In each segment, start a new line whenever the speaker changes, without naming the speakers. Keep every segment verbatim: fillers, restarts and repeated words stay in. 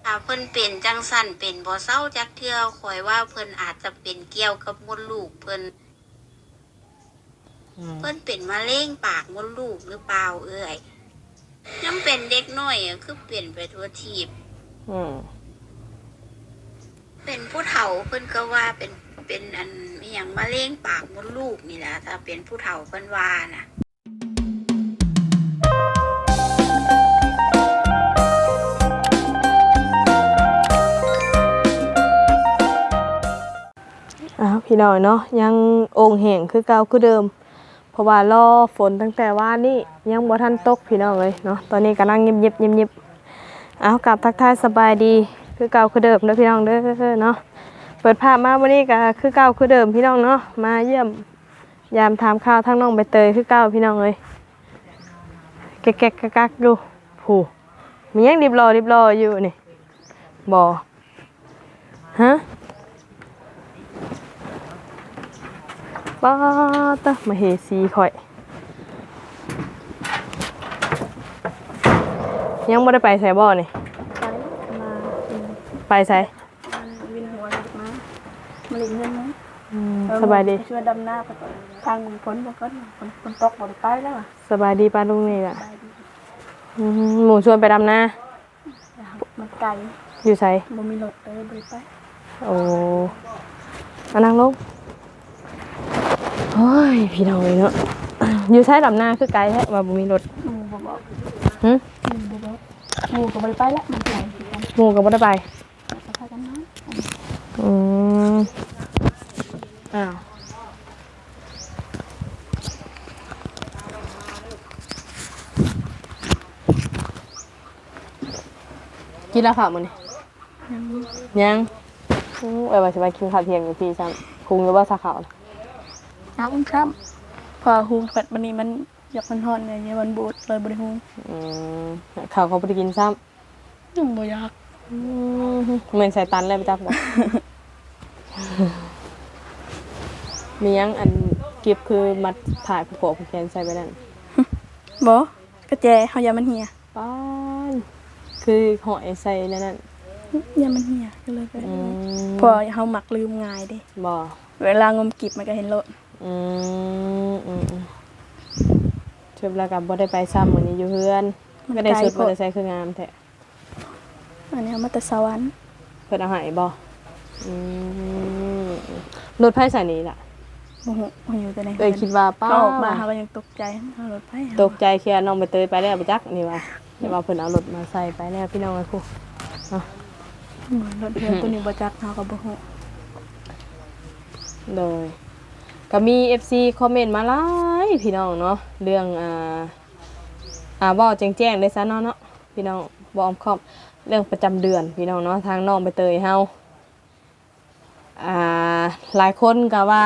ถ้าเพิ่นเป็นจังสั่นเป็นบ่เซาจักเทื่อข้อยว่าเพิ่นอาจจะเป็นเกี่ยวกับมดลูกเพิ่น
อืม
เพิ่นเป็นมะเร็งปากมดลูกหรือเปล่าเอ่ยยังเป็นเด็กน้อยอะคือเปลี่ยนไปทั่วทีป
อืม
เป็นผู้เฒ่าเพิ่นก็ว่าเป็นเป็นอันอหยังมะเร็งปากมดลูกนี่แหละถ้าเป็นผู้เฒ่าเพิ่นว่าน่ะ
อ้าวพี่น้อยเนาะยังโอ่งแห้งคือเก่าคือเดิมเพราะว่ารอฝนตั้งแต่ว่านี่ยังบ่ทันตกพี่น้องเลยเนาะตอนนี้กำลังเงียบๆเงียบๆอ้าวกลับทักทายสบายดีคือเก่าคือเดิมเด้อพี่น้องเด้อเนาะเปิดภาพมาวันนี้ก็คือเก่าคือเดิมพี่น้องเนาะมาเยี่ยมยามถามข่าวทั้งน้องใบเตยคือเก่าพี่น้องเลยแก๊กๆกักๆดูผู้มียังรีบรอรีบรออยู่นี่บ่ฮะป้าตะมาเฮซีข่อยยังไม่ได้ไปใส่บ่อนี่ไปใส่
วินหัวมามาเล่นเงินมั้ง
สบายดี
ช่วยดำหน้าไปทางฝนบ่ก็ฝนฝนตกบ่ได้ไปแล้วอ่ะ
สบายดีป้าลุงนี่ล่ะหมูชวนไปดำนา
มันไกล
อยู่ใส่
บ่มีรถเลยบ่ได้ไป
โอ้มานั่งลงโอ้ยพี่น้องเลยเนาะอยู่ใช้ดำนาคือไกลแท้ว่าบ่มีรถ
หมู่บ่บอก
หึ
หมู่บ่บอกหมู่ก็บ่ได้ไปแล้วมันไกลคือกัน
หมูก็บ่ได้ไป
ก็พากันนอน
อืมอ้าวกินแล้วค่ะมื้อนี้ยังอือเอ้ยว่าสิไปกินข้าวเที่ยงอยู่พี่ซ้ํคุงอยู่บ่ซะข้าวน่ะ
น้ำครับพอฮูงเปิดบัดนี้มันอยากมันฮ้อนเนี่ยมันบูดเลยบ่ได้ฮูง
อืมข้าวเขาบ่ได้กินซ้ำ
ยังบ่อยาก
อืมเหมือนใส่ตันเลยไปจับบ่ มียังอันเก็บคือมัดถ่ายผูกผูกแขนใส่ไปนั่น
บ่กระแจเฮาอย่ามันเหี่ย
ป้านคือหอยใส่นั่นนั่น
อย่ามันเหี่ยก็เลยไปพอเฮามักลืมง่ายเด้
บ่
เวลางมกิบมันก็เห็นโลด
อืมอืมเชิบแล้วกับบ่ได้ไปซ้ำมื้อนี้อยู่เฮือนก็ได้สุดบ่ได้ใส่คืองามแท้
อันนี้เอามาแต่สวรรค์
เพิ่นเอาให้บ่อืมรถไฟสายนี้ล่ะ
โอ้โหอยู่แต่ใน
เอ้ยคิดว่าป้า
ออกมาเฮาก็ยังตกใจเอารถไป
ตกใจแค่น้องไปเตยไปแล้วบ่จักนี่ว่าแต่ว่าเพิ่นเอารถมาใส่ไปแล้วพี่น้องไอ้ครูเนาะ
รถเพิ่นตัวนี้บ่จักเฮาก็บ่ฮู้
โดยก็มี เอฟ ซี คอมเมนต์มาหลายพี่น้องเนาะเรื่องอ่าอ่าเว้าแจ้งๆเลยซะเนาะเนาะพี่น้องบ่อ้อมค้อมเรื่องประจำเดือนพี่น้องเนาะทางน้องใบเตยเฮาอ่าหลายคนก็ว่า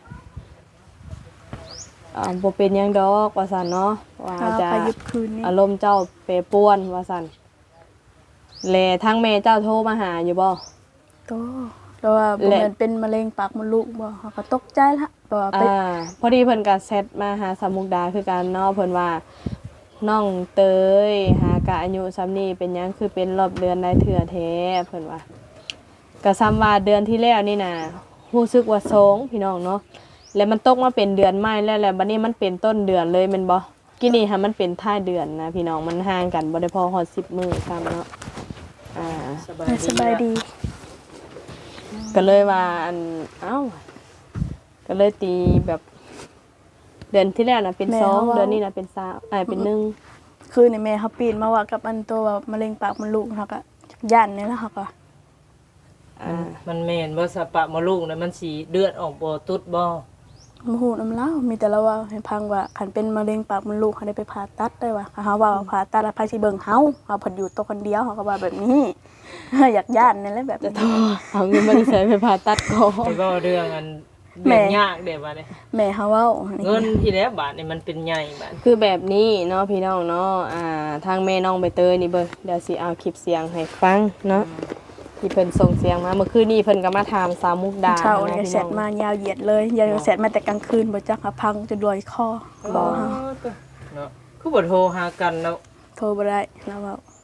อ่าบ่เป็นหยังดอกว่าซั่นเนาะว่าจะอารมณ์เจ้าแปรปรวนว่าซั่นแลทางแม่เจ้าโทรมาหาอยู่บ่
โตแล้วว่าบ่แม่นเป็นมะเร็งปากมดลูกบ่เฮาก็ตกใจละเพราะว่า
อ่าพอดีเพิ่นก็แชทมาหาสาวมุกดาคือกันเนาะเพิ่นว่าน้องเตยหากะอายุซ้ำนี้เป็นหยังคือเป็นรอบเดือนได้เทื่อแท้เพิ่นว่าก็ซ้ำว่าเดือนที่แล้วนี่น่ะรู้สึกว่าสองพี่น้องเนาะแล้วมันตกมาเป็นเดือนใหม่แล้วแล้วบัดนี้มันเป็นต้นเดือนเลยแม่นบ่กินี่ค่ะมันเป็นท้ายเดือนนะพี่น้องมันห่างกันบ่ได้พอฮอดสิบมื้อซ้ำเนาะอ่า
สบายดี
ก็เลยว่าอันเอ้าก็เลยตีแบบเดือนที่แล้วน่ะเป็นสองเดือนนี้น่ะเป็นสามเอ้ยเป็นหนึ่ง
คือนี่แม่เฮาปีนมาว่ากับอันตัวว่ามะเร็งปากมดลูกเฮาก็ย่านนี่ล่ะเฮาก็
อ่ามันแม่นบ่สะปะมะลูกน่ะมันสิเลือดออกบ่ตุดบ่
บ่ฮู้นำลาวมีแต่ละว่าให้พังว่าคันเป็นมะเร็งปากมดลูกเฮาได้ไปผ่าตัดได้ว่าเฮาว่าผ่าตัดแล้วไผสิเบิ่งเฮาเฮาเพิ่นอยู่ตัวคนเดียวเฮาก็ว่าแบบนี้อยากย่านนั่นแหละแบบ
จะเอาเงินมาใช้ไปผ่าตัดก่อน
ไปบ่เรื่องอันเรื่องยากเด้บัดนี้
แม่เฮาเว้า
เงินที่แล้วบาทนี่มันเป็นใหญ่บาด
คือแบบนี้เนาะพี่น้องเนาะอ่าทางแม่น้องใบเตยนี่เบิ่งเดี๋ยวสิเอาคลิปเสียงให้ฟังเนาะที่เพิ่นส่งเสียงมาเมื่อคืนนี้เพิ่นก็มาถามสาวมุกดา
เช้านี่แชทมายาวเหยียดเลยยาวแชทมาแต่กลางคืนบ่จักพังจนรวยคอ
บ่เนาะคือบ่โทรหากันแล้ว
โทรบ่ได้แล้วเว้า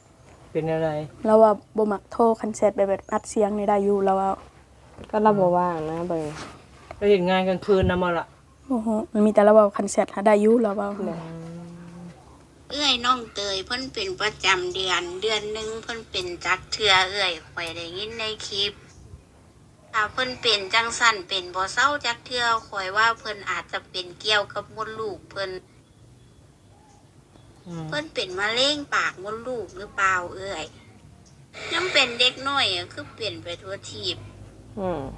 เป็นอะไร
เราว่าบ่มักโทรคันแชทแบบอัดเสียงนี่ได้อยู่เราว่า
ก็เราบ่ว่างนะเบิ่ง
ไปเห็นงานกลางคืนนำมาละ
โอ้โหมันมีแต่เราว่าคันแชทหาได้อยู่เราว่า
เอื้อยน้องเตยเพิ่นเป็นประจำเดือนเดือนหนึงเพิ่นเป็นจักเทื่อเอื้อยข่อยได้ยินในคลิปถ้าเพิ่นเป็นจังสั่นเป็นบ่เศร้าจักเทื่อข่อยว่าเพิ่นอาจจะเป็นเกี่ยวกับมดลูกเพิ่น
อืม
เพิ่นเป็นมะเร็งปากมดลูกหรือเปล่าเอ้ยยังเป็นเด็กน้อยอะคือเปลี่ยนไปทั่วทีบ
อืม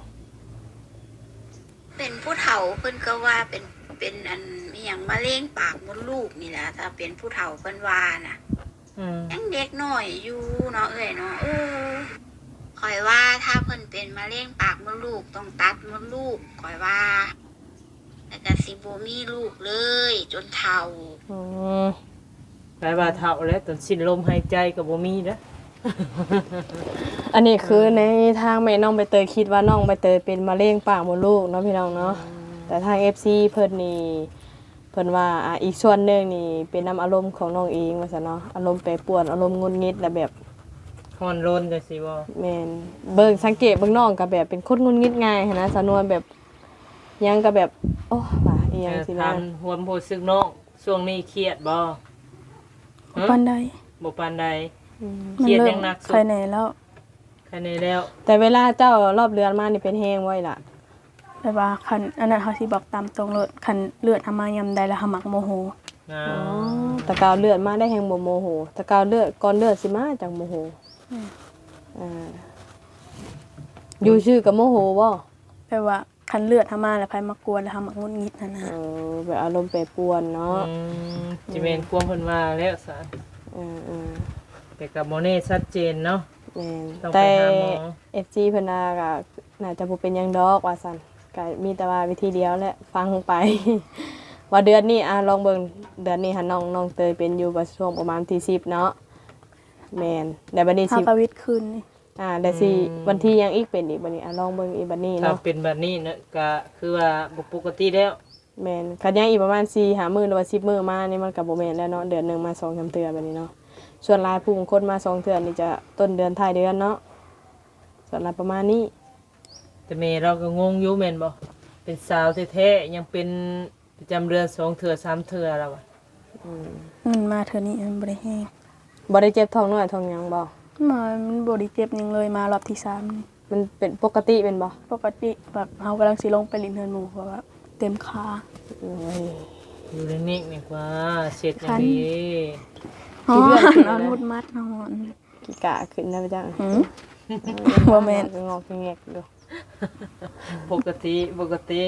เป็นผู้เฒ่าเพิ่นก็ว่าเป็นเป็นอันอหย่างมะเร็งปากมดลูกนี่แหละถ้าเป็นผู้เฒ่าเพิ่นว่าน่ะ
อืม
ยังเด็กน้อยอยู่เนาะเอ้ยเนาะเออข่อยว่าถ้าเพิ่นเป็นมะเร็งปากมดลูกต้องตัดมดลูกข่อยว่าแล้วก็สิบ่มีลูกเลย จนเฒ่า
อืม
ไปว่าเฒ่าแล้วตอนสิ้นลมหายใจก็บ่มีนะ
อันนี้คือในทางแม่น้องใบเตยคิดว่าน้องใบเตยเป็นมะเร็งปากมดลูกเนาะพี่น้องเนาะแต่ทาง เอฟ ซี เพิ่นนี่เพิ่นว่าอ่ะอีกส่วนหนึงนี่เป็นน้ำอารมณ์ของน้องเองว่าซั่นเนาะอารมณ์แปรปรวนอารมณ์หงุดหงิดและแบบ
ฮ้อนรนจังซี่บ่
แม่นเบิ่งสังเกตเบิ่งน้องก็แบบเป็นคนหงุดหงิดง่ายหั้นนะสำนวนแบบหยังก็แบบโอ้ว่าอีหยังสิ
ถา
นะ
มหวมรู้สึกน้องช่วงนี้เครียดบ่
ปานใด
บ่ปานใด
อืม
เครียดยังหนักสุด
ใครแน่แล้ว
แค่นี้แล้ว
แต่เวลาเจ้ารอบเดือนมานี่เป็นแห้งไว้ล่ะ
แต่ว่าคันอันนั้นเขาสิบอกตามตรงเลยคันเลือดทำมายำใดแล้วหามักโมโห
อ่า
อ๋อแตะกาวเลือดมาได้แห้งบ่โมโหแตะกาวเลือดก่อนเลือดสิมาจังโมโหอ่าอยู่ชื่อกับโมโหบ่
แปลว่าคันเลือดทำมาแล้วไผมากวนแล้วหามักงุนงิดนั่นนะ
เออแบบอารมณ์แปรปรวนเนาะ
อืมสิแม่นความเพิ่นว่าแล้วซะ
เออเออ
แต่ก็บ่แน่ชัดเจนเนาะ
แม่น
ต้องไป
แต่
หาหมอ
เอฟซีเพิ่นน่าก็น่าจะบ่เป็นหยังดอกว่าซั่นก็มีแต่ว่าวิธีเดียวแหละฟังไป ว่าเดือนนี้อ่ะลองเบิ่งเดือนนี้หันน้องน้องเตยเป็นอยู่ประช่วงประมาณที่สิบเนาะแม่นแต่บัดนี้
หา
สิ
ประวิตรคืนนี่
อ่าแต่สิวันที่ยังอีกเป็นอีกบัดนี้อ่ะลองเบิ่งอีกบัดนี้
ถ้า
เนาะ
เป็นแบบนี้เนะก็คือว่าบ่ปกติแล้ว
แม่นคันยังอีกประมาณสี่ห้ามื้อหรือว่าสิบมื้อมานี่มันก็บ่แม่นแล้วเนาะเดือนหนึงมาสองสามเทื่อบัดนี้เนาะส่วนหลายผู้บางคนมาสองเทื่อนี่จะต้นเดือนท้ายเดือนเนาะส่วนหลายประมาณนี้
แต่แม่เราก็งงอยู่แม่นบ่เป็นสาวแท้ๆยังเป็นประจำเดือนสองเทื่อสามเทื่อแล้วอะ
มันมาเธอนี่มันบริแห้ง
บ่ได้เจ็บท้องน้อยท้องหยังบ่
มามันบริเจ็บหยังเลยมารอบที่สามนี่
มันเป็นปกติเป็นบ่
ปกติแบบเขากำลังสิลงไปลินเทินหมูเพราะว่าเต็มขา
โอ้ย
อยู่นิ่งๆนี่กว่าเสร็จอย่าง
คัน
ดี
อ๋อนอนมุดมัดนอน
กี่กะขึ้นได้ไปจัง
หืม บ่แม่น
งอกแงกดู
ปกติปกติ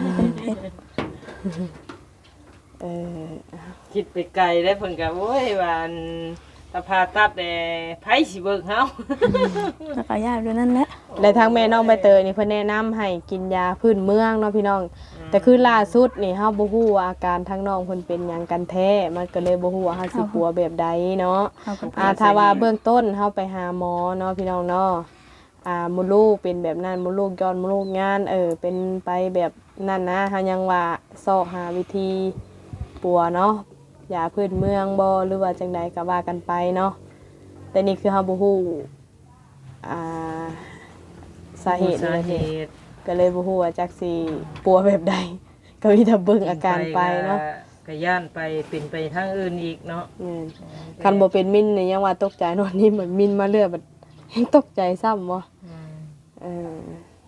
เออ
คิดไปไกลได้วเพิ่นก็โอ้ยว่าอันตาพาตัดแต่ไผสิเบิ่งเฮา
แล้วก็ยากด้วยนั่นแหละ
และทางแม่น้องใบเตยนี่เพิ่นแนะนำให้กินยาพื้นเมืองเนาะพี่น้อง แต่คือล่าสุดนี่เฮาบ่ฮู้ว่าอาการทางน้องเพิ่นเป็นหยังกันแท้มันก็เลยบ่ฮู้ว่าเฮาสิปัวแบบใดเนาะ
เขาก็
อ่าถ้าว่าเบื้องต้นเฮาไปหาหมอเนาะพี่น้องเนาะอ่ามดลูกเป็นแบบนั้นมดลูกย้อนมดลูกงานเออเป็นไปแบบนั้นนะเฮายังว่าซอกหาวิธีปัวเนาะยาพื้นเมืองบ่หรือว่าจังใดก็ว่ากันไปเนาะแต่นี่คือเฮาบ่ฮู้อ่าสาเหตุ
สา
นั่น
เห
เอง
ตุ
ก็เลยบ่ฮู้ว่าจักสิปัวแบบใดก็มีแต่เบิ่งอาการไปเนาะ
ก็ย่านไปเป็นไปทางอื่นอีกเนาะ
อืมคันบ่เป็นมินนี่ยังว่าตกใจเนอนนี่เหมือนมินมาเรื่อยบัดยังตกใจซ้ำบ่
อืม
เออ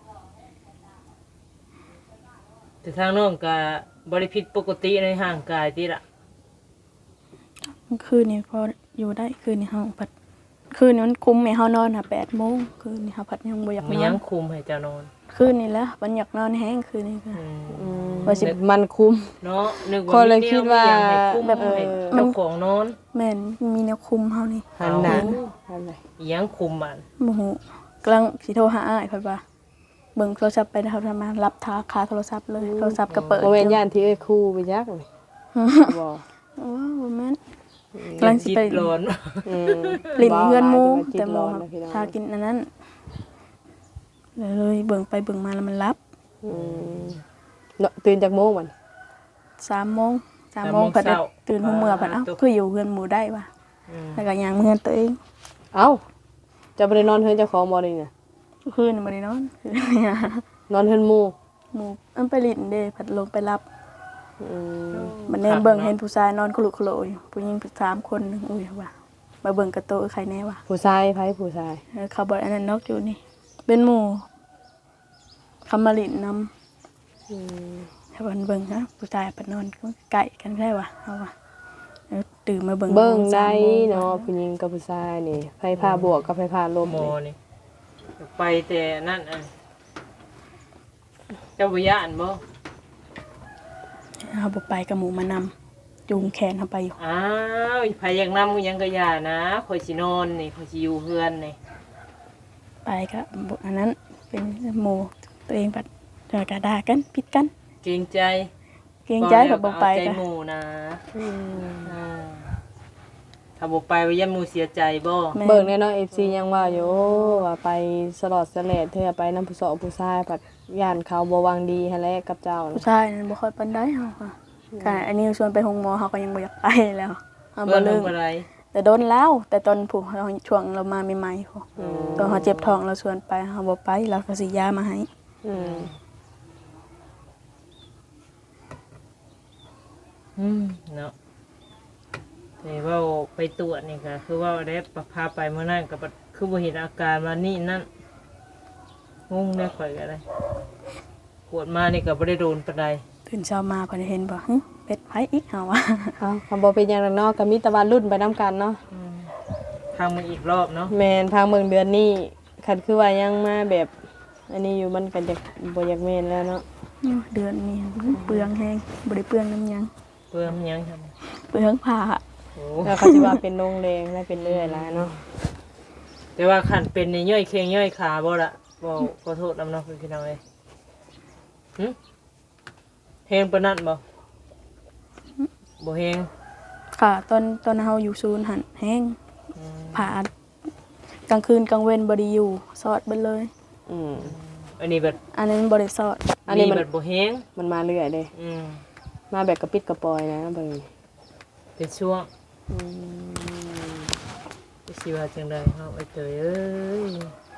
แต่ทางน้องก็บ่ได้ผิดปกติในร่างกายติล่ะ
คืนนี้พออยู่ได้คืนนี้เฮาพัดคืนนี้มันคุมให้เฮานอนหาแปดโมงคืนนี้เฮาพัดยังบ่อยาก
มี
น
ห
อ
ยั
น
งคุมให้เจ้านอน
คืนนี้แหละมันอยากนอนแห้งคืนนี้ค่ะ
อืม
อืม
ว่าสิ
มันคุ้ม
เนาะนึก
ก็
ว่า
เลยคิดว่า
มีแนมีหยังให้คุม
แบบ
ให้
เออ
เจ้าของนอน
แม่นมีแนวคุมเฮานี่
หันหน้าหันไหน
อีหยังคุมมัน
บ่ฮู้กำลังสิโทรหาอ้ายเพิ่นว่าเบิ่งโทรศัพท์ไปนะครับทำมารับทาคาโทรศัพท์เลยโทรศัพท์ก็เปิด
บ่แม่นย่านที่เอ้ยคู่ไปยักนี่บ่
โอ้บ่แม่นกำลังสิ
จิต
ไป
ร้อน
อืม
ลิ้นเพื่อนหมู่
แต่
แต่
ห
ห
ม
มู่
อ
ครับ
นะพี่น้อง
ทากินอันนั้นเลยเลยเบิ่งไปเบิ่งมาแล้วมันรับ
อืมเนาะตื่นจากโมงมัน
สามโมงสามโมงเพิ่นได้ตื่นหัวเมื่อเพิ่นเอ้าคืออยู่เฮือนหมู่ได้ว่ะ
อืม
แล้วก็ย่างเฮือนตัวเอง
เอ้าจะบ่ได้นอนเฮือนเจ้าของบ่นี่น่ะ
คืนนี่บ่ได้นอนคืนนี่
นอนเฮือนหมู่
หมู่อันไปลิ้นเด้พัดลงไปรับ
อืม
มันแน่เบิ่งเห็นผู้ชายนอนคุลุคุโลอยู่ผู้หญิงสามคนหนึงอุ้ยว่ามาเบิ่งกระโตะใครแน่วะ
ผู้ชายไผผู้ชาย
เออเขาบอกอันนั้นนกอยู่นี่ เป็นหมู่คำมาลินนำ
อืม
ถ้าเบิ่งเบิ่งนะผู้ชายไปนอนก็ไก่กันได้วะเอาวะเออตื่นมาเบิ่ง
เบิ่ง
โม
ได้
สามโมง
เนาะผู้หญิงกับผู้ชายนี่ไผพาบวกกับไผพาลบ
หมอ
นี่
นี่ไปแต่นั่นอ่ะเจ้าบ่ย่านบ่
เอาบ่ไปกับหมูมานำจูงแขนเขาไปอยู่
อ้าวไผอยากนำยังก็อย่านะข่อยสินอนนี่ข่อยสิอยู่เฮือนนี่
ไปก็บ่อันนั้นเป็นหมู่ตัวเองปัดเจอกระดากันพิดกัน
เกรงใจ
เกรงใจกับบ่ไป
เอาใจ
ก็
หมู่นะ
อืม
อ่าถ้าบ่ไปว่ายันหมู่เสียใจบ่
แม่
เบิ่งแน่เนาะ เอฟ ซี ยังว่าอยู่ว่าไปสลอดสะแลดเธอไปนำผู้สาวผู้ชายผัดย่านเขาบ่หวังดีหั่นแหละกับเจ้า
ผู้
น่ะ
ชายนั่นบ่ค่อยปานใดเฮาค่ะก็อันนี้ชวนไปโรงหมอเฮาก็ยังบ่อยากไปแล้วเฮา
เพื่
บ่
อน
ลื
ลง
ม
ไปไร
แต่โดนแล้ว แต่ตอนผู้เราช่วงเรามาใหม่ๆพอ
อืม
ตอนเขาเจ็บท้องเราชวนไปเขาบอกไปเราก็สิยามาให้
อืม
อืมเนาะแต่ว่าไปตรวจนี่ก็คือว่าได้ประพาไปเมื่อนั้นก็บ่คือบ่เห็นอาการว่านี่นั่นงงได้ข่อยก็ได้ปวดมานี่ก็บ่ได้โดนปานใด
ตื่นเช้ามาพอได้เห็นบอกหึเป็ดไผอีกเฮาว่า
เอ้าคำบ่เป็นหยังดอกเนาะก็มีแต่ว่ารุ่นไปนํกันเนาะ
อืมทางมันอีกรอบเนาะ
แม่นทางเมืองเดือนนี้คันคือว่ายังมาแบบ อันนี้อยู่มันก็จะบ่อยากแม่นแล้วเนาะ
เดือนนี้เปลืองแฮงบ่ได้เปลืองน้ำหยัง
เพื่อมันยังท
เปลืองผ้า
ำโอ้
แล้วเขาสิว่าเป็นโรงแรงและเป็นเรื่อยแล้วเนาะ
แต่ว่าขันเป็นในย่อยเคียงย่อยขาบ่ละบ่ขอโทษนำเนาะพี่น้องเอ้ยหึเฮงปานนั้นบ่บ่เฮง
ค่ะตอนตอนเฮาอยู่ศูนย์หันแฮง
อืม
ผ่ากลางคืนกลางเว้นบ่ได้อยู่สอดเบิดเลย
อืม
อันนี้แบบ
อันนั้นบ่ได้สอด
อันนี้มัน
แบบบ่เฮง
มันมาเรื่อยเด้
อืม
มาแบบกระปิดกระปอยนะเบิ่ง
เป็นช่วง
อืม
สิว่าจังไดเฮาไอ้เตยเอ้ย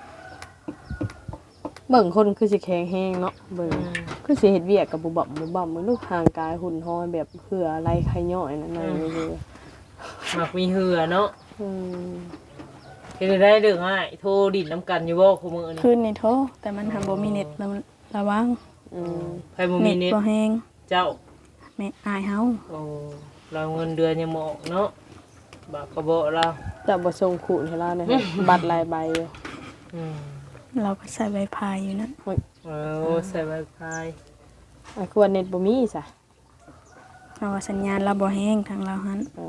เบิ่งคนคือสิแข็งแรงเนาะเบิ่ง
อืม
คือสิเฮ็ดเวียกกับบุบับบุบับมันลูกห่างกายหุ่นห้อยแบบเหืออะไรไขย่อยนั่นน่ะเลย
มักมีเหือเนาะ
อืม
เฮ็ดได้เด้อง่ายโทรดินน้ำกันอยู่บ่คุมื้อนี้
คืนนี่โทรแต่มันหันบ่มีเน็ตระระวัง
อืม
ไผบ่มีเน็ต
บ่แฮง
เจ้า
แม่อายเฮา
โอ้เราเงินเดือนยังบ่ออกเนาะบากกระบอกเรา
จะบ่ส่งขู่ให้เราเนี่ยบัตรหลายใบอยู่
อืม
เราก็ใช้ไวไฟอยู่นั่น
โอ้ย
เออใส่ไวไฟ
อ่ะคือว่าเน็ตบ่มีซะ
เราว่าสัญญาณเราบ่แห้งทางเราหัน
อ๋อ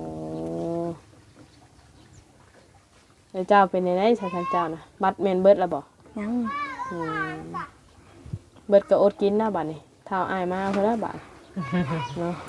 แล้วเจ้าเป็นไดซะทางเจ้าน่ะบัตรแม่นเบิดแล้วบ่
ยัง
อืมเบิดก็อดกินนะบัดนี้เท้าอายมาเพิ่นละบาดเนาะ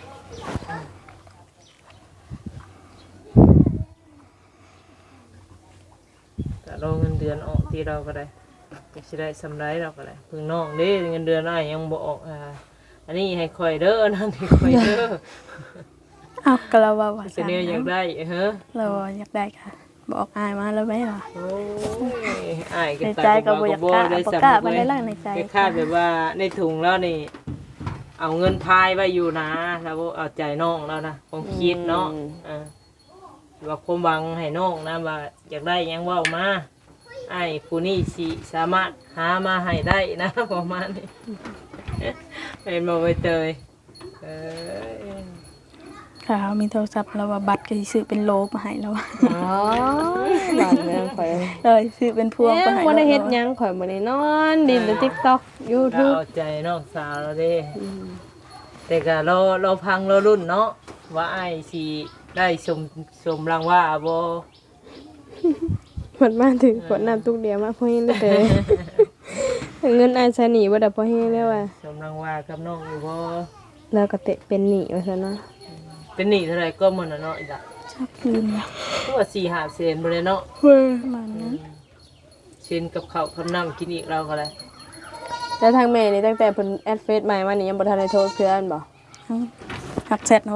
แต่เราเงินเดือนออกที่เราก็ได้ก็สิได้สำไรเราก็ได้เพิ่งน้องเด้เงินเดือนอ้ายยังบ่ออกอ่าอันนี้ให้ข่อยเด้อนั่นให้ข่อยเด้อ
อ้าวก็เราว่าว่า
เสนออยากได้เฮ้อ
เราว่าอยากได้ค่ะบอกอายมาแล้วไหมล่ะ
โอ้ยอ้ายก็
ใน
ตา
ใจ
ย
ก็บ่อยากกล้า
ได้
บ่
สำ
กล้า
นึ
ปานใดล่ะในใจ
คล้ายๆแบบว่าในถุงแล้วนี่ เอาเงินพายไว้อยู่นะแล้วบ่เอาใจน้องแล้วนะของคิดเนาะอ่าว่าความหวังให้น้องนะว่าอยากได้หยังเว้ามาไอ้ผู้นี้สิสามารถหามาให้ได้นะ ประมาณนี้เป็นบ่ไปเตยเออ
ค่ะมีโทรศัพท์เราว่าบัตรก็สิซื้อเป็นโลมาให้แล้ว
อ๋อหลานแม่ข่อย
เลยซื้อเป็นพวง
เอ๊ะ
มาให้
บ่ได้เฮ็ดห
แล้ว
ยังข่อยบ่ได้นอนดินแต่ TikTok
ก็
YouTube
เอาใจน้องสาวเราเด้แต่ก็เราเราพังเรารุ่นเนาะว่าไอ้สิได้ชมชมรางว่าบ่
มันมาถึงกดน้ำตุกเดียวมาพอเฮ็ดเลยเด้อเงินอายใช้หนี้บ่ได้พอเฮ็ดแล้วว่ะ
ชมรางว่ากับน้องอยู่บ่
แล้วก็เตะเป็นหนี้ว่าซั่นเนาะ
เป็นหนี้เท่าไหร่ก็หมดน่ะเนาะอีกอ่ะ
ชักคืนแล้ว
ตัวสี่ห้าเซนบ่ได้เนาะ
ประมาณนั้น
เช่นกับข้าวกับน้ำกินอีกเราก็ได้
แล้วทางแม่นี่ตั้งแต่เพิ่นแอดเฟซใหม่มานี่ยังบ่ทันได้โทรเพื่อนบ่
หักเสร็จเนาะ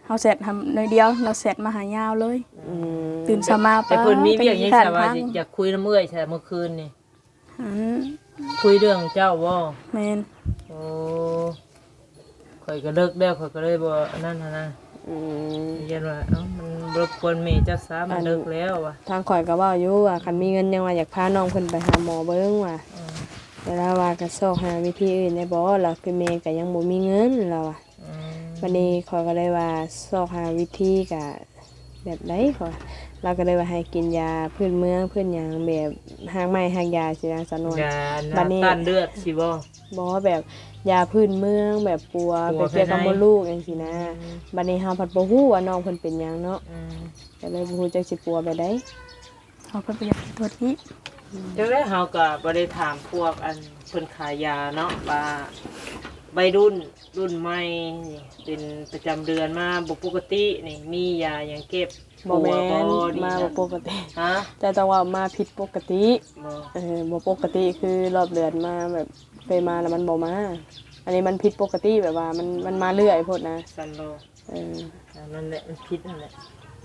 เฮาเสร็จทำหน่อยเดียวเราเสร็จมาหายาวเลย
อืม
ตื่นเช้ามา
แต่เพิ่นมีเวียกหยัง
ขาด
ซะว่า
พัง
สิอยากคุยน้ำเอื้อยใช่เมื่อคืนนี่
อืม
คุยเรื่องเจ้าบ่
แม่น
โอ้ข่อยก็เลิกแล้วข่อยก็เลยบ่อันนั้นหันนะ
อืม
เรียนว่าเอ้ามันรบกวนแม่เจ้าซะมันเลิกแล้วว่ะ
ทางข่อยก็เว้าอยู่ว่าคันมีเงินยังว่าอยากพาน้องเพิ่นไปหาหมอเบิ่งว่า
อืม
เวลาว่าก็ซอกหาวิธีอื่นได้บ่ล่ะคือแม่ก็ยังบ่มีเงินแล้วอ่ะ
อืม
วันนี้ข่อยก็เลยว่าซอกหาวิธีก็แบบใดข่อยเราก็เลยว่าให้กินยาพื้นเมืองพื้นหยังแบบหางไม้หางยาสินะสนวน
ยา
บัดนี้
น้ำต้านเลือดสิบ่
บ่แบบยาพื้นเมืองแบบปัว
ปั
ไป
ว
เกี่ยวกับ
ภายใน
มดลูกจังซี่นะบัดนี้เฮาผัดบ่ฮู้ว่าน้องเพิ่นเป็นหยังเนาะ
อืม
ก็เลยบ่ฮู้จักสิปัวไปได้
เฮาเพิ่นไปอยากตัวที่
จังได๋เฮาก็บ่ได้ถามพวกอันเพิ่นขายยาเนาะว่าวัยรุ่นรุ่นใหม่นี่เป็นประจำเดือนมาบ่ปกตินี่มียาหยังเก็บ
บ่แม่น
ปัวดี
มา
นะ
บ่ปกติ
ฮะ
แต่จังว่ามาผิดปกติ
บ่
เออบ่ปกติคือรอบเดือนมาแบบไปมาแล้วมันบ่มา อันนี้มันผิดปกติแบบว่ามันมันมาเรื่อยโพดนะ
ซันโล
เออ
อันนั่นแหละมันพิษนั่นแหละ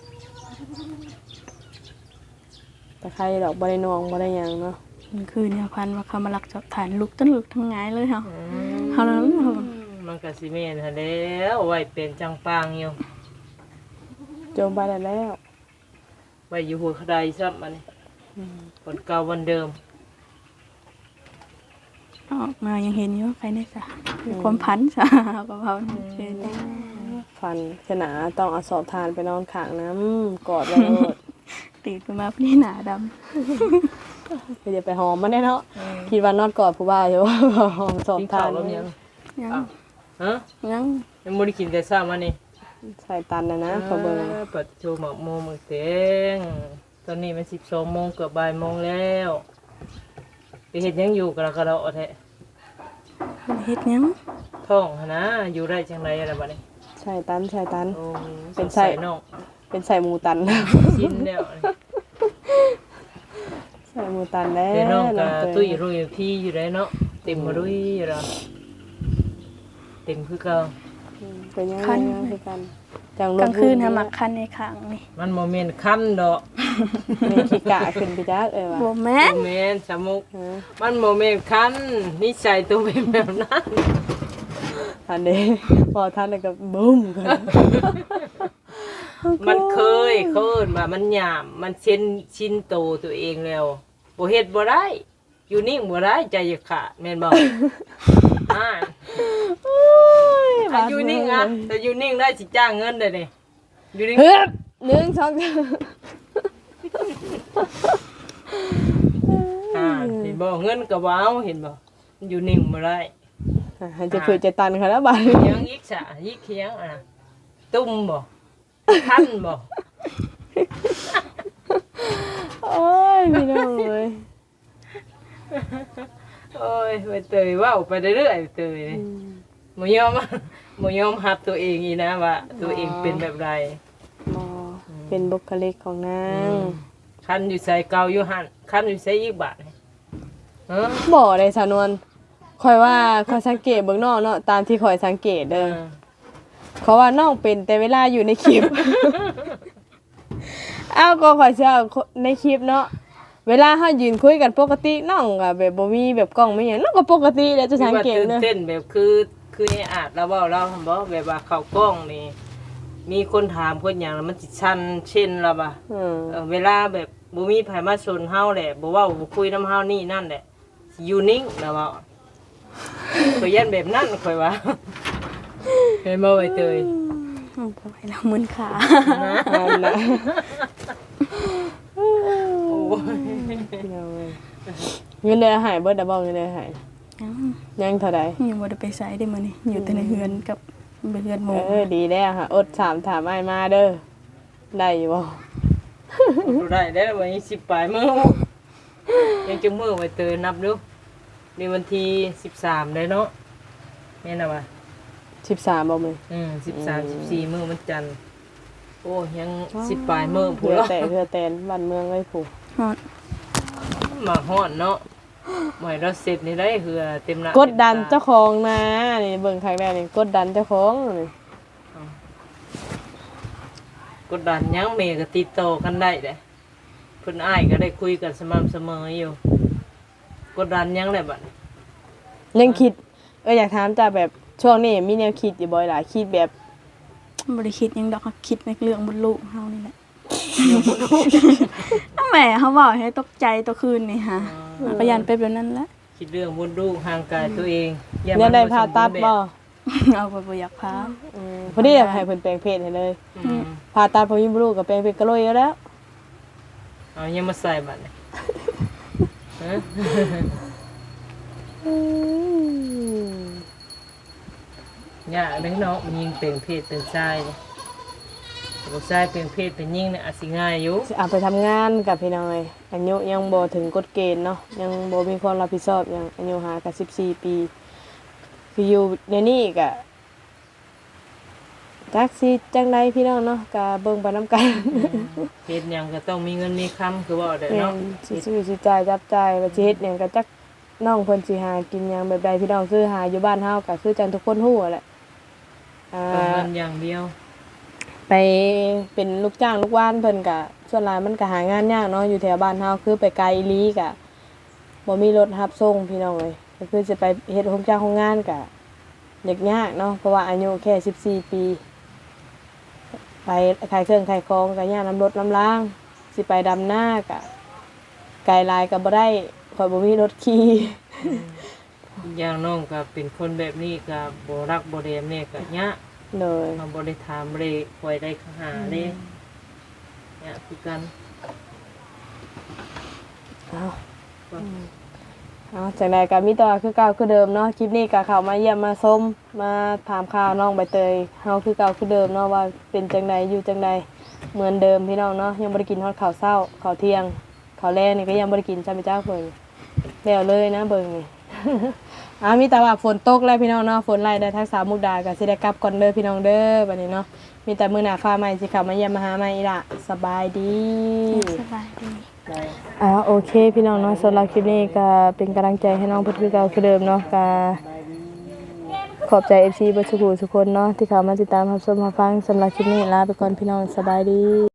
แต่ใครดอกบ่ได้นองบ่ได้หยังเนาะ
มันคือเนี่ยพันว่าเขามาลักจับฐานลุกตั้งลุกทั้งหงายเลยเฮา
อืม
เฮาแล้ว
มันก็สิแม่นหั่นแล้วไว้เป็นจังปางอยู่
โจมไปได้แล้ว
ไว้อยู่หัวกระไดซ้ำอันนี้คนเก่าวันเดิม
ออกมายังเห็นอยู่ใครได้จ้ะมีความพันจ้ะก็เฮาเช่น
ฟันขนาต้องเอาสอบทานไปนอนข้างน้ำกอดไว้โลด
ตื่นขึ้นมาพี่หน้าดำ
ไปเดี๋ยวไปหอมมันได้เนาะคิดว่านอนกอดผู้บ่าวอยู่ หอมสอบ
กิน
ทา
ข้าวน แล้วยัง
ยัง
อ้าวฮะ
ยัง
ยังบ่ได้กินแต่เช้ามานี่
ใส่ตันนะนะขอเบิ่ง
ออเปิดโชว์หมอกโมงมื้อเต็งตอนนี้มันสิบสองโมงเกือบบ่ายโมงแล้วไปเฮ็ดหยังอยู่กะละกะละแท้
เฮ็ดยัง
ท้องหั่นนะอยู่ได้จังได๋ล่ะบัดนี้
ใส่ตันใส่ตัน
โอ้
เป็น
สง
ไส้
สัยน้อง
เป็นใส่หมูตัน
สิ้นแล้วนี่
ใส่หมูตันแล้ว
เดี๋ยวน้องก็
เต
ตุ้ยรุ่ยพี่อยู่ได้เนาะเต็มมาด้วยอยู่แล้วเต็มคือเก่า
เป็นยังไงยังคือกันจัง
กลางคืน
ฮะ
หามักคันในข้างนี่
มันโมเมนต์คันดอก
มีขี้กะขึ้นไปจักเอ้ยว่ะ
บ่แม่น
โมเมนต์สมุก
ฮะ
มันโมเมนต์คันนิสัยตัวเป็นแบบนั้น
อันนี้พอท่านแล้วก็บึ้มกัน
มันเคยเคยว่ามันหยามมันเช่นชินโตวตัวเองแล้วบ่เฮ็ดบ่ได้ อยู่นิ่งบ่ได้ใจจะขาดแม่นบ่ อ่าถ้าอยู่นิ่งอ่ะแต่อยู่นิ่งได้สิจ้างเงินได้นี่อยู่นิ่ง
เฮ้ยหนึ่งสอง
อ่าเห็นบ่เงินก็บ่เอาเห็นบ่อยู่นิ่งบ่ได้
หันจะคุยจะตันเขาแล้วบ้าน
เคียงอีกสะอีกเคียงอ่ะตุ้มบ่คันบ่
โอ้ยพี่น้องเลย
โอ้ยไปเตยเว้าไปเรื่อยๆเตยบ่ยอม บ่ยอมรับตัวเองอีนะว่าตัวเองเป็นแบบใด
มอเป็นบุคลิกของนาง
คันอยู่ใส่เก่าอยู่หั่นคันอยู่ใส่อีกบาทนี่เออ
บ่ได้สานวนคอยว่าคอยสังเกตเบิ่งน้องเนาะตามที่คอยสังเกต
เอ
เด้อ
อ
เขาว่าน้องเป็นแต่เวลาอยู่ในคลิป อ้าวก็ขอยเชื่อในคลิปเนาะเวลาเฮายืนคุยกันปกติน้องก็แบบบ่มีแบบกล้องไม่หยังน้องก็ปกติแล้วจะสังเกต
ตื่น
เด้อ
เต้นแบบคือคือไอ้อาจเราเว้าเราหั่นบ่แบบว่าเข้ากล้องนี่มีคนถามคนหยังแล้วมันสิชันเช่นล่ะบ่
อืม
เออเวลาแบบบ่มีไผมาสนเฮาแหละบ่เว้าบ่คุยนำเฮานี่นั่นแหละสิอยู่นิ่งนะเว้าข่อยยันแบบนั้นข่อยว่า เห็นบ่ไอ้เตย
เอาบ่ไหวแล้วมึนขา
นะ
นั่นน่ะ
โอ้ย
เอาเว้ยเงินเดือนหายเบิดดบ่เงินเดือนหาย
ยัง
ยังเท่าใด
ยังบ่ได้ไปไสได้มื้อนี้อยู่แต่ในเฮือนกับไปเฮือนหมู่
เออดีแล้วค่ะอดถามถามอ้ายมาเด้อได้อยู่บ่
ดูได้ได้วันนี้สิบปลายมื้อยังจังมื้อไว้เตยนับดูนี่วันที่สิบสามได้เนาะแม่นน่ะว่า
สิบสามบ่มื้อ
อืมสิบสาม สิบสี่มื้อมันจันทร์โอ้ยังสิบปลายมื้อพู้
เพื่อ
แล้ว
แต่เพื่อแตนบ้านเมืองเลยผู้
ฮอด
มาฮ้อนเนาะหมายเราเสร็จนี่ได้คือเต็มหน้าก
ดดัน
ต็มต
เจ้าของนะนี่เบิ่งครั้งแรกนี่กดดันเจ้าของนี่
กดดันหยังแม่ก็ติดต่อกันได้เด้เพิ่นอ้ายก็ได้คุยกันสม่ำเสมออยู่กดดันหยังแหละบัดนี้
ยังคิดเอออยากถามจ้าแบบช่วงนี้มีแนวคิดอยู่บ่อยหลายคิดแบบ
บ่ได้คิดหยังดอกค่ะคิดในเรื่องบนลูกเฮานี่แหละอ้าแม่เฮาเว้าให้ตกใจตัวคืนนี่ฮะก็ยันเป็นแบบนั้นแหละ
คิดเรื่องมดลูกห่างกายตัวเอง
เนี่ยได้ผ่าตัดบ่
เอาไปบ่อยากพา
อืมพอดีอยากให้เพิ่นแปลงเพศให้เลย
อืม
ผ่าตัดพอมีลูกก็แปลงเพศก็โลยอยู่แล้ว
เอายังมาใส่บัดนี้ฮะ
อืม
ยากเด้อเนาะยิงเป็นเพศเป็นชายนี่บ่ชายเป็นเพศเป็นหญิงเนี่ยอาจสิง่ายอยู่
สิเอาไปทำงานกับพี่น้อยอายุยังบ่ถึงกฎเกณฑ์เนาะยังบ่มีความรับผิดชอบหยังอายุหาก็สิบสี่ปีคืออยู่ในนี้ก็จักสิจังไดพี่น้องเนาะก็เบิ่งไปนํกัน
เฮ็ดหยังก็ต้องมีเงินมีคำคือว่าได้
แม่
เนาะ
นสิซื้อสิจ่ายจับจ่ายว่าสิเฮ็ดหยังก็จักน้องเพิ่นสิหากินหยังแบบใดพี่น้องคือหาอยู่บ้านเฮาก็คือจังทุกคนฮู้แหละอ่า
ต้องเงินอย่างเดียว
ไปเป็นลูกจ้างลูกว่านเพิ่นก็ส่วนหลายมันก็หางานยากเนาะอยู่แถวบ้านเฮาคือไปไกลอีหลีก็บ่มีรถรับส่งพี่น้องเอ้ยก็คือสิไปเฮ็ดโรงจ้างโรงงานก็ยากยากเนาะเพราะว่าอายุแค่สิบสี่ปีไปขายเครื่องขายของก็ยากน้ำรถน้ำล้างสิไปดำหน้าก็ไกลหลายก็บ่ได้ข่อยบ่มีรถขี่
อย่างน้องก็เป็นคนแบบนี้ก็บ่รักบ่แดมแม่ก็ยะ
เลย
เราบ่ได้ถามเลยคอยได้หาเลยเนี่ยคือกัน
เอา เอาจากใดก็มีต่อคือเก่าคือเดิมเนาะคลิปนี้ก็เข้ามาเยี่ยมมาชมมาถามข่าวน้องใบเตยเฮาคือเก่าคือเดิมเนาะว่าเป็นจังใดอยู่จังใดเหมือนเดิมพี่น้องเนาะยังบ่ได้กินฮอดข้าวเช้าข้าวเที่ยงข้าวแลงนี่ก็ยังบ่ได้กินจ้าพี่จ้าเพิ่นแล้วเลยนะเบิ่งนี่ อ่ามีแต่ว่าฝนตกแล้วพี่น้องเนาะฝนไล่ได้ทั้งสามมุกดาก็สิได้กลับก่อนเด้อพี่น้องเด้อบัดนี้เนาะมีแต่มื้อหน้าฟ้าใหม่สิเข้ามาเยี่ยมมาหาใหม่อีกละสบายดี
สบายดี
อ่าโอเคพี่น้องเนาะสำหรับคลิปนี้ก็เป็นกำลังใจให้น้องเพื่อนคือเก่าคือเดิมเนาะก็ขอบใจ เอฟ ซี เบ่ทุกผู้ทุกคนเนาะที่เข้ามาติดตามรับชมรับฟังสำหรับคลิปนี้ลาไปก่อนพี่น้องสบายดี